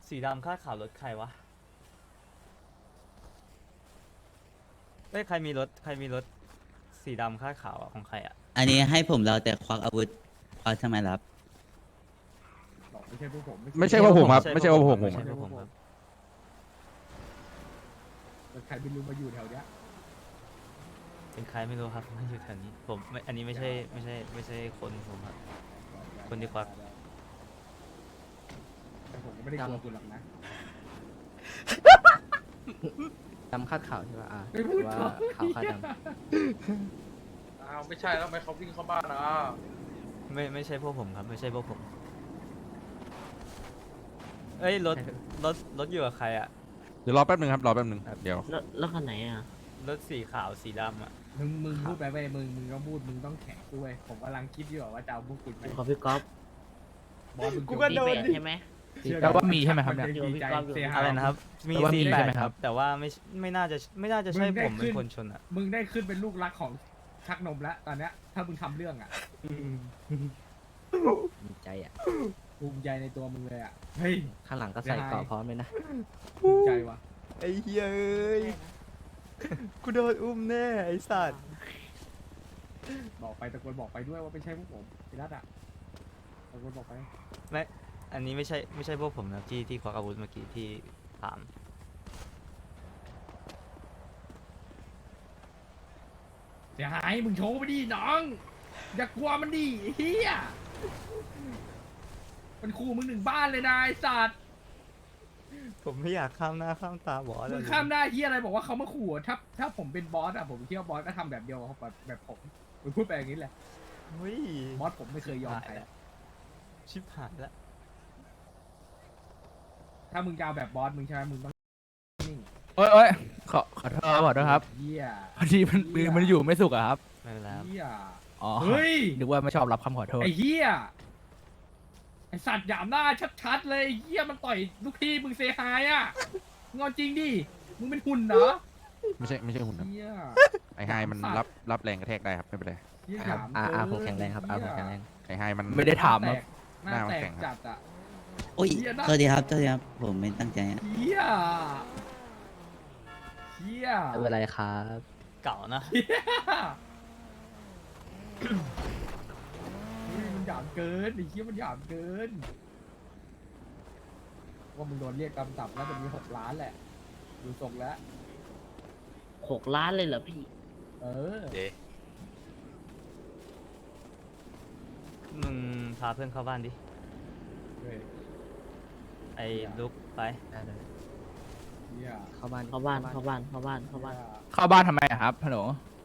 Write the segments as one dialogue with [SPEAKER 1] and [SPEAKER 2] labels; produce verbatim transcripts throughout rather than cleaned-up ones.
[SPEAKER 1] สีดำคาดขาวรถใครวะเอ้ยใครมีรถใครมีรถสีดำคาดขาวอะของใครอะ
[SPEAKER 2] อันนี้ให้ผมเราแต่ควักอาวุธควักทำไมล่ะครับ
[SPEAKER 3] บอกไม่ใช่พวกผม
[SPEAKER 4] ไม่ใช่ว่าผมครับไม่ใช่ว่าผม
[SPEAKER 1] ไม่
[SPEAKER 4] ผม
[SPEAKER 1] ใช่พวกผมครับ
[SPEAKER 3] แต่ใครไม่รู้มาอยู่แถวเนี้ย
[SPEAKER 1] เป็นใครไม่รู้ครับไม่อยู่แถวนี้ผมไม่อันนี้ไม่ใช่ไม่ใช่ไม่ใช่คนผมครับ คนที่ควัก
[SPEAKER 3] แต่ผมก็ไม่ได้กลัวคุณหรอกนะ
[SPEAKER 5] ดำคาดขาวใช่ป่ะอ่า
[SPEAKER 3] ไม่พูด
[SPEAKER 5] ว่า
[SPEAKER 3] หรอก
[SPEAKER 5] ขาวคาดด
[SPEAKER 6] อ้าวไม่ใช่แล้วทำไมเขาวิ่งเข้าบ้านนะ
[SPEAKER 1] ไม่ไม่ใช่พวกผมครับ ไม่ใช่พวกผม เอ้ยรถรถรถอยู่กับใครอะ
[SPEAKER 4] เดี๋ยวรอแป๊บนึงครับรอแป๊บนึงเดี๋ยว
[SPEAKER 7] แล้วแล้วคันไหนอ่ะ
[SPEAKER 1] รถสีขาวสีดำอะ
[SPEAKER 3] มึงมึงพูดไปไปมึงมึงต้องพูดมึงต้องแข็งด้วยผมกำลังคิดอยู่ว่าจะเอาพวกคุณไป
[SPEAKER 7] ขอพี่ก๊อฟ
[SPEAKER 3] บอสมึง
[SPEAKER 1] กูก็โดน
[SPEAKER 7] มีแปด
[SPEAKER 1] ดิ
[SPEAKER 7] ใช่ไหม
[SPEAKER 4] แปลว่ามีใช่ไหมครับเนี่ย
[SPEAKER 3] นดีใจเสียหาย
[SPEAKER 1] อะไรนะครับ มี
[SPEAKER 4] แต่ว่ามี
[SPEAKER 1] สีแป
[SPEAKER 4] ใช่
[SPEAKER 1] ด
[SPEAKER 4] ไหม
[SPEAKER 1] ค
[SPEAKER 4] ครั
[SPEAKER 1] รับ บ แต่ว่าไม่ไม่น่าจะไม่น่าจะใช่
[SPEAKER 3] มึงได้
[SPEAKER 1] ผมเป็น
[SPEAKER 3] ขึ้น
[SPEAKER 1] คนชนอะ
[SPEAKER 3] มึงได้ขึ้นเป็นลูกรักของชักนมแล้วตอนเนี้ยถ้ามึงทำเรื่องอ่ะ
[SPEAKER 5] ำดีใจอ่ะ
[SPEAKER 3] ภูมิใจในตัวมึงเลยอ่ะเฮ้ย
[SPEAKER 5] ข้างหลังก็ใส่เกราะพร้อมเลยนะ
[SPEAKER 3] ภูมิใจว่ะ
[SPEAKER 1] ไอ้เหี้ยเอ้ยกูโดนอุ้มแน่ไอ้สัตว์
[SPEAKER 3] บอกไปตะโกนบอกไปด้วยว่าไม่ใช่พวกผมไอ้รัตอ่ะตะโกนบอกไป
[SPEAKER 1] ไม่อันนี้ไม่ใช่ไม่ใช่พวกผมนะที่ที่ควักอาวุธเมื่อกี้ที่ถาม
[SPEAKER 3] เสียหายมึงโชว์ไปดิน้อง อย่ากลัวมันดิไอ้เฮียมันขู่มึงหนึ่งบ้านเลยนะไอ้สัตว์
[SPEAKER 1] ผมไม่อยากข้ามหน้าข้ามตาบอส
[SPEAKER 3] มึง
[SPEAKER 1] เลย
[SPEAKER 3] ข้ามได้เฮียอะไรบอกว่าเขามาขู่อะถ้าถ้าผมเป็นบอสอะผมคิดว่าบอสก็ทำแบบเดียวกับแบบแบบผมมึงพูดไปอย่างนี้แหละ
[SPEAKER 1] เฮ้ย
[SPEAKER 3] บอสผมไม่เคยยอมใคร
[SPEAKER 1] ชิบหายแล้ว
[SPEAKER 3] ถ้ามึงจะเอาแบบบอสมึงใช่ไหมมึงต้องนิ่ง
[SPEAKER 4] เอ้ยเอ้ยขอขอโทษครับขอโทษครับ
[SPEAKER 3] เฮีย
[SPEAKER 4] พอดีมันมือมันอยู่ไม่สุกอะครับ
[SPEAKER 1] ไม่เป็นไรครับ
[SPEAKER 3] เฮีย
[SPEAKER 4] อ๋อ
[SPEAKER 3] เฮ้ย
[SPEAKER 4] นึกว่าไม่ชอบรับคำขอโทษ
[SPEAKER 3] ไอ้เฮียไอสัตว์หยามหน้าชัดๆเลยไอ้เฮียมันต่อยลูกพี่มึงเซฮายอะงอนจริงดิมึงเป็นหุ่นเหรอ
[SPEAKER 4] ไม่ใช่ไม่ใช่หุ่นครับ
[SPEAKER 3] เฮีย
[SPEAKER 4] ไอ้ไฮมันรับรับแรงกระแทกได้ครับไม่เป็นไร
[SPEAKER 3] เฮีย
[SPEAKER 5] ค
[SPEAKER 3] ห
[SPEAKER 5] รับ
[SPEAKER 3] ยาม
[SPEAKER 5] อาอา
[SPEAKER 3] เกิน
[SPEAKER 5] ผมแข็งแรงครับอาผมแข็งแรง
[SPEAKER 4] ไอ้ไฮมัน
[SPEAKER 3] ไม่ได้ถามครับห
[SPEAKER 4] ห
[SPEAKER 3] น้า
[SPEAKER 4] น้ามัน
[SPEAKER 3] แต
[SPEAKER 4] แข็
[SPEAKER 3] ก
[SPEAKER 4] งครับ
[SPEAKER 3] จัดอะ
[SPEAKER 2] โอ้ย
[SPEAKER 3] เหี้ยนะ
[SPEAKER 2] สวัสดีครับสวัสดีครับ ผมไม่ตั้งใจอะ
[SPEAKER 3] เฮียเฮีย
[SPEAKER 5] ไม่เป็นไรครับ
[SPEAKER 1] เก่านะ
[SPEAKER 3] เฮียเฮ้ยมันหยามเกินไอ้เฮียมันหยามเกิน ว่ามึงโดนเรียกกำตับแล้วมันมีหกล้านแหละ ดูทรงแล้ว
[SPEAKER 7] หกล้านเลยเหรอพี่
[SPEAKER 3] เออ
[SPEAKER 1] เดมึงพาเพื่อนเข้าบ้านดิ
[SPEAKER 3] เฮ้ย
[SPEAKER 1] ไอ้ลุกไป
[SPEAKER 5] ได้เลย
[SPEAKER 3] เฮีย
[SPEAKER 5] เข้าบ้าน
[SPEAKER 7] เข้าบ้านเข้าบ้านเข้าบ้านเข้าบ้าน
[SPEAKER 4] เข้าบ้านทำไมอะครับฮัลโหล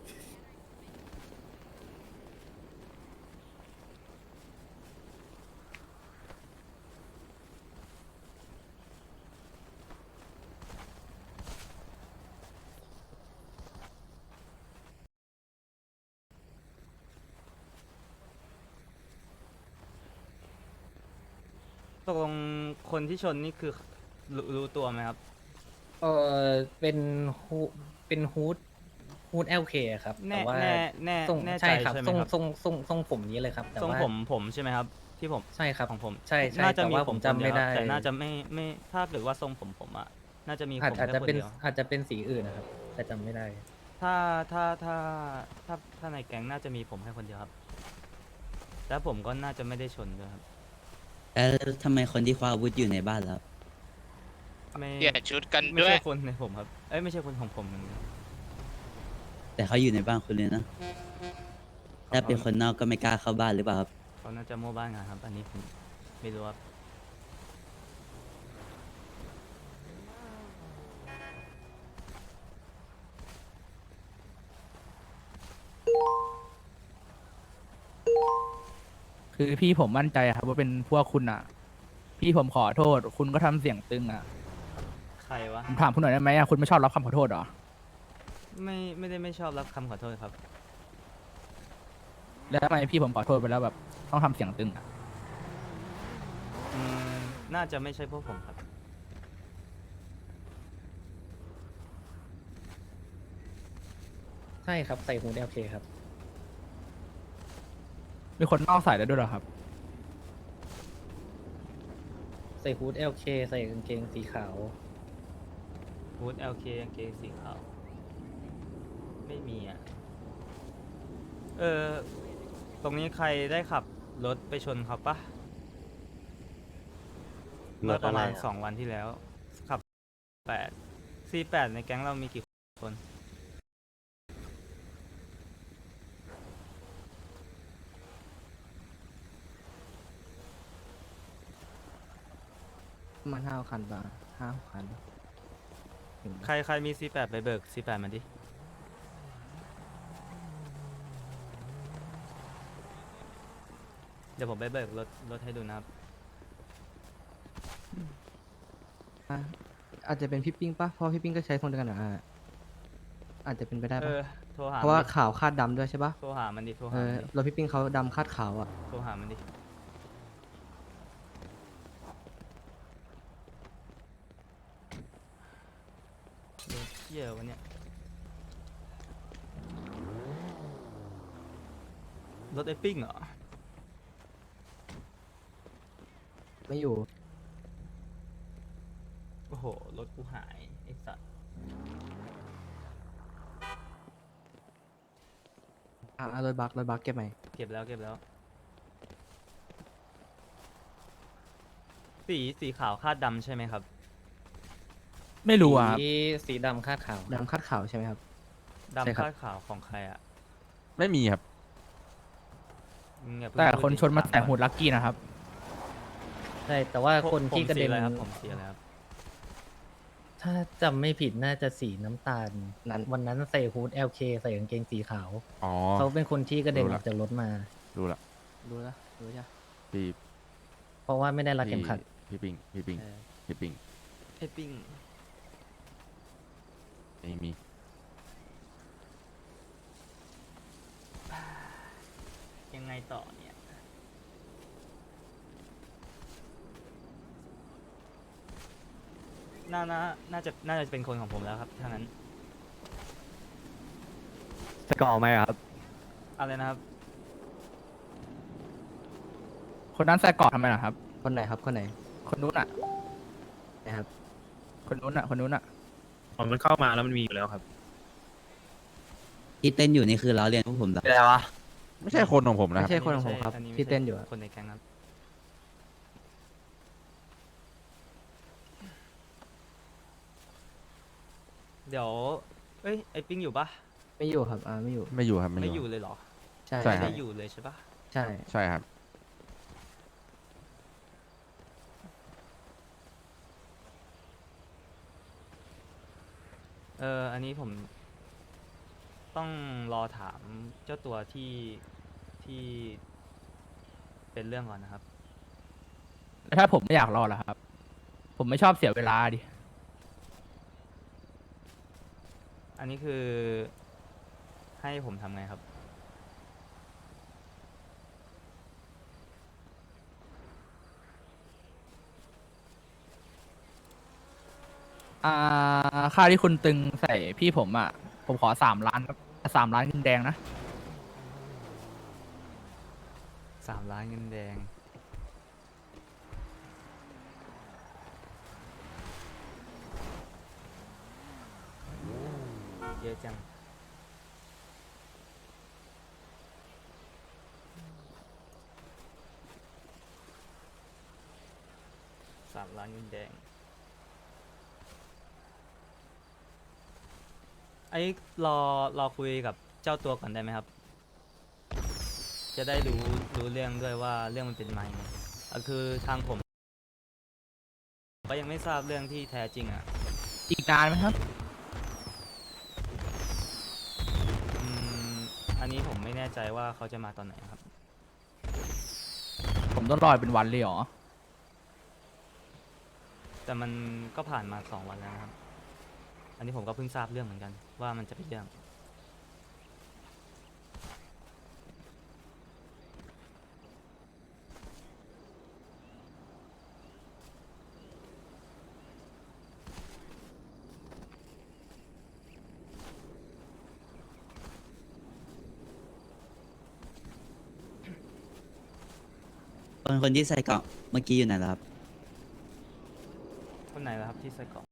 [SPEAKER 1] ตกลงคนที่ชนนี่คือรู้รู้ตัวไหมครับ
[SPEAKER 8] เออเป็นฮูเป็นฮูดฮูดเอลเคครับ
[SPEAKER 1] แน่
[SPEAKER 8] แต่ว่า
[SPEAKER 1] แน่แน่
[SPEAKER 8] ทรง
[SPEAKER 1] แน่ใจ
[SPEAKER 8] ใช่ครับ
[SPEAKER 1] ใช่ไหม
[SPEAKER 8] ทรง
[SPEAKER 1] ครับ
[SPEAKER 8] ทรงทรงทรงผมนี้เลยครับ แต่
[SPEAKER 1] ทรง
[SPEAKER 8] ว่า
[SPEAKER 1] ผมผมใช่ไหมครับ ที่ผม
[SPEAKER 8] ใช่ครับ
[SPEAKER 1] ของผม
[SPEAKER 8] ใช่ใช่
[SPEAKER 1] น่าจะ
[SPEAKER 8] แต่
[SPEAKER 1] มี
[SPEAKER 8] ว่า
[SPEAKER 1] ผ
[SPEAKER 8] ผม ม
[SPEAKER 1] คน
[SPEAKER 8] จำ
[SPEAKER 1] เดี
[SPEAKER 8] ไม่
[SPEAKER 1] ยวค
[SPEAKER 8] ได้
[SPEAKER 1] รับแต่น่าจะไม่ไม่ถ้าเกิดว่าทรงผมผมอะน่าจะมี
[SPEAKER 8] อาจ
[SPEAKER 1] ผม
[SPEAKER 8] อาจ
[SPEAKER 1] แค่
[SPEAKER 8] จะ
[SPEAKER 1] คน
[SPEAKER 8] เป็น
[SPEAKER 1] เดียว
[SPEAKER 8] อาจจะเป็นสีอื่นนะครับ แต่จำไม่ได้
[SPEAKER 1] ถ้าถ้าถ้าถ้าถ้าในแก๊งน่าจะมีผมแค่คนเดียวครับ แล้วผมก็น่าจะไม่ได้ชนด้วยครับ
[SPEAKER 2] แล้วทำไมคนที่ควักอาวุธอยู่ในบ้านแล้ว
[SPEAKER 1] ไม่
[SPEAKER 6] เปลี่ยนชุดกัน
[SPEAKER 1] ไม่
[SPEAKER 6] ด้วย
[SPEAKER 1] ใช่คนในผมครับ เอ้ยไม่ใช่คนของผมเหมือนกัน
[SPEAKER 2] แต่เขาอยู่ในบ้านคุณเลยนะ ถ้าเป็นคนนอกก็ไม่กล้าเข้าบ้านหรือเปล่าครับ
[SPEAKER 1] เขาน่าจะโม่บ้านงานครับ อันนี้ผมไม่รู้ครับ
[SPEAKER 4] คือพี่ผมมั่นใจครับว่าเป็นพวกคุณอะพี่ผมขอโทษ คุณก็ทำเสียงตึงอะ
[SPEAKER 1] ใครวะ
[SPEAKER 4] ผมถามคุณหน่อยได้ไหมอะคุณไม่ชอบรับคำขอโทษเหรอ
[SPEAKER 1] ไม่ไม่ได้ไม่ชอบรับคำขอโทษครับ
[SPEAKER 4] แล้วทำไมพี่ผมขอโทษไปแล้วแบบต้องทำเสียงตึงอะ
[SPEAKER 1] อืมน่าจะไม่ใช่พวกผมครับ
[SPEAKER 8] ใช่ครับใส่ฮูดเอลเคครับ
[SPEAKER 4] มีคนนอกใส่แล้วด้วยเหรอครับ
[SPEAKER 8] ใส่ฮูด แอล เค ใส่กางเกงสีขาว
[SPEAKER 1] ฮูด แอล เค กางเกงสีขาว ไม่มีอ่ะ เออ ตรงนี้ใครได้ขับรถไปชนเขาปะเมื่อประมาณสองวันที่แล้ว ขับแปดสี่แปดในแก๊งเรามีกี่คน
[SPEAKER 5] ประมาณห้าคันป่ะห้าคันถึง
[SPEAKER 1] ใครใครมี ซี แปด ไปเบิก ซี แปด มาดิ เดี๋ยวผมไปเบิกรถรถให้ดูนะครับ
[SPEAKER 5] อ่ะอาจจะเป็นพี่ปิ้งป่ะเพราะพี่ปิ้งก็ใช้คนเดียวกันเหรออ่ะอาจจะเป็นไปได้
[SPEAKER 1] เอ
[SPEAKER 5] ป่ะ
[SPEAKER 1] อ โทรหา
[SPEAKER 5] เพราะว่า
[SPEAKER 1] มันดิ
[SPEAKER 5] ขาวคาดดำด้วยใช่ป่ะ
[SPEAKER 1] โทรหามันดิ โทร
[SPEAKER 5] เอ
[SPEAKER 1] หา
[SPEAKER 5] อ
[SPEAKER 1] มันดิ
[SPEAKER 5] รถพี่ปิ้งเขาดำคาดขาวอ่ะ
[SPEAKER 1] โทรหามันดิเดี๋ยวเที่ยววันเนี้ยรถไอ้ปิ้งเหรอ
[SPEAKER 5] ไม่อยู่
[SPEAKER 1] โอ้โห รถกูหาย ไอ้สัตว์
[SPEAKER 5] อ่ารถบักรถบักเก็บไหม
[SPEAKER 1] เก็บแล้วเก็บแล้ว สีสีขาวคาดดำใช่ไหมครับ
[SPEAKER 4] ไม่รู้อ่ะครับ
[SPEAKER 8] สีสีดำคาดขาว
[SPEAKER 5] ดำคาดขาวใช่ไหมครับ ใช่
[SPEAKER 1] ดำ
[SPEAKER 5] ครับ
[SPEAKER 1] คาดขาวของใครอ่ะ
[SPEAKER 9] ไม่มีครับ
[SPEAKER 1] มึงอย่าเพิ่ง
[SPEAKER 4] แต่
[SPEAKER 1] พูด
[SPEAKER 4] คน
[SPEAKER 1] ดิ
[SPEAKER 4] ชนมา
[SPEAKER 1] ถ
[SPEAKER 4] แต่
[SPEAKER 1] ก่อ
[SPEAKER 4] หูดลักกี้นะครับ
[SPEAKER 8] ใช่ แต่ว่า
[SPEAKER 1] ผม
[SPEAKER 8] คนที่
[SPEAKER 1] ผม
[SPEAKER 8] กระเด็น
[SPEAKER 1] สีอะไรครับผมสีอะไรครับ
[SPEAKER 8] ถ้าจำไม่ผิดน่าจะสีน้ำตาล
[SPEAKER 5] นั้น
[SPEAKER 8] วันนั้นใส่ฮูด แอล เค ใส่กางเกงสีขาว
[SPEAKER 9] อ๋อ
[SPEAKER 8] เขาเป็นคนที่กระเด็น
[SPEAKER 9] รู้
[SPEAKER 8] อ
[SPEAKER 9] ละ
[SPEAKER 8] อกจากรถมา
[SPEAKER 9] รู้ละ
[SPEAKER 5] รู้แล้วรู้จ้ะ
[SPEAKER 9] พี่
[SPEAKER 8] เพราะว่าไม่ได้รัดเข็ม
[SPEAKER 9] พี่
[SPEAKER 8] ขัด
[SPEAKER 9] พี่ปิงพี่ปิง
[SPEAKER 1] เออ
[SPEAKER 9] พี่ปิง
[SPEAKER 1] ไอ้ปิ้ง
[SPEAKER 9] ไม่มี
[SPEAKER 1] ยังไงต่อเนี่ย น่าน่าน่าจะ น่าจะเป็นคนของผมแล้วครับถ้างั้น
[SPEAKER 5] จะก่อไหมครับ
[SPEAKER 1] อะไรนะครับ
[SPEAKER 4] คนนั้นใส่เกาะทำไมล่ะครับ
[SPEAKER 5] คนไหนครับคนไหน
[SPEAKER 4] คนนู้นอ่ะ
[SPEAKER 5] นะครับ
[SPEAKER 4] คนนู้นอ่ะ คนนู้นอ่ะ
[SPEAKER 10] อ๋อมันเข้ามาแล้วมันมีอยู่แล้วครับ
[SPEAKER 2] ที่เต้นอยู่นี่คือล้อเลียนพวกผมเหรอ
[SPEAKER 10] เป็นไรวะ
[SPEAKER 9] ไม่ใช่คนของผมนะค
[SPEAKER 5] ไม่
[SPEAKER 9] รับ
[SPEAKER 5] ใช่คนของผมครับ
[SPEAKER 1] อัไม่
[SPEAKER 5] ที่
[SPEAKER 1] ใช่
[SPEAKER 5] เต้นอยู่อะ
[SPEAKER 1] คนในแก๊งครับ เดี๋ยว เอ้ย ไอ้ปิ้งอยู่ปะ
[SPEAKER 5] ไม่อยู่ครับอ่าไม่อยู่
[SPEAKER 9] ไม่อยู่ครับ
[SPEAKER 1] ไม่
[SPEAKER 9] ไม่
[SPEAKER 1] อ
[SPEAKER 9] อยู่ ยู่
[SPEAKER 1] เลยเหรอ
[SPEAKER 5] ใช่
[SPEAKER 9] ใช่ครับ
[SPEAKER 1] ไม่อยู่เลยใช่ปะ
[SPEAKER 5] ใช่
[SPEAKER 9] ใช่ครับ
[SPEAKER 1] เออ อันนี้ผม ต้องรอถามเจ้าตัวที่ที่เป็นเรื่องก่อนนะครับ
[SPEAKER 4] แล้วถ้าผมไม่อยากรอล่ะครับ ผมไม่ชอบเสียเวลาดิ
[SPEAKER 1] อันนี้คือ ให้ผมทำไงครับ
[SPEAKER 4] อ่า ค่าที่คุณตึงใส่พี่ผมอ่ะ ผมขอสามล้านครับสามล้านเงินแดงนะ
[SPEAKER 1] สามล้านเงินแดง เยอะจัง สามล้านเงินแดง ไอ้รอรอคุยกับเจ้าตัวก่อนได้ไหมครับ จะได้รู้รู้เรื่องด้วยว่าเรื่องมันเป็นมายังไงก็คือทางผมก็ยังไม่ทราบเรื่องที่แท้จริงอ่ะ
[SPEAKER 4] อีกนานไหมครับ
[SPEAKER 1] อืม อันนี้ผมไม่แน่ใจว่าเขาจะมาตอนไหนครับ
[SPEAKER 4] ผมต้องรอเป็นวันเลยเหรอ
[SPEAKER 1] แต่มันก็ผ่านมาสองวันแล้วนะครับ อันนี้ผมก็เพิ่งทราบเรื่องเหมือนกัน ว่ามันจะเป็นเรื่อง
[SPEAKER 2] คนคนที่ใส่เกราะเมื่อกี้อยู่ไหนแล้วครับ
[SPEAKER 1] คนไหนล่ะครับที่ใส่เกราะ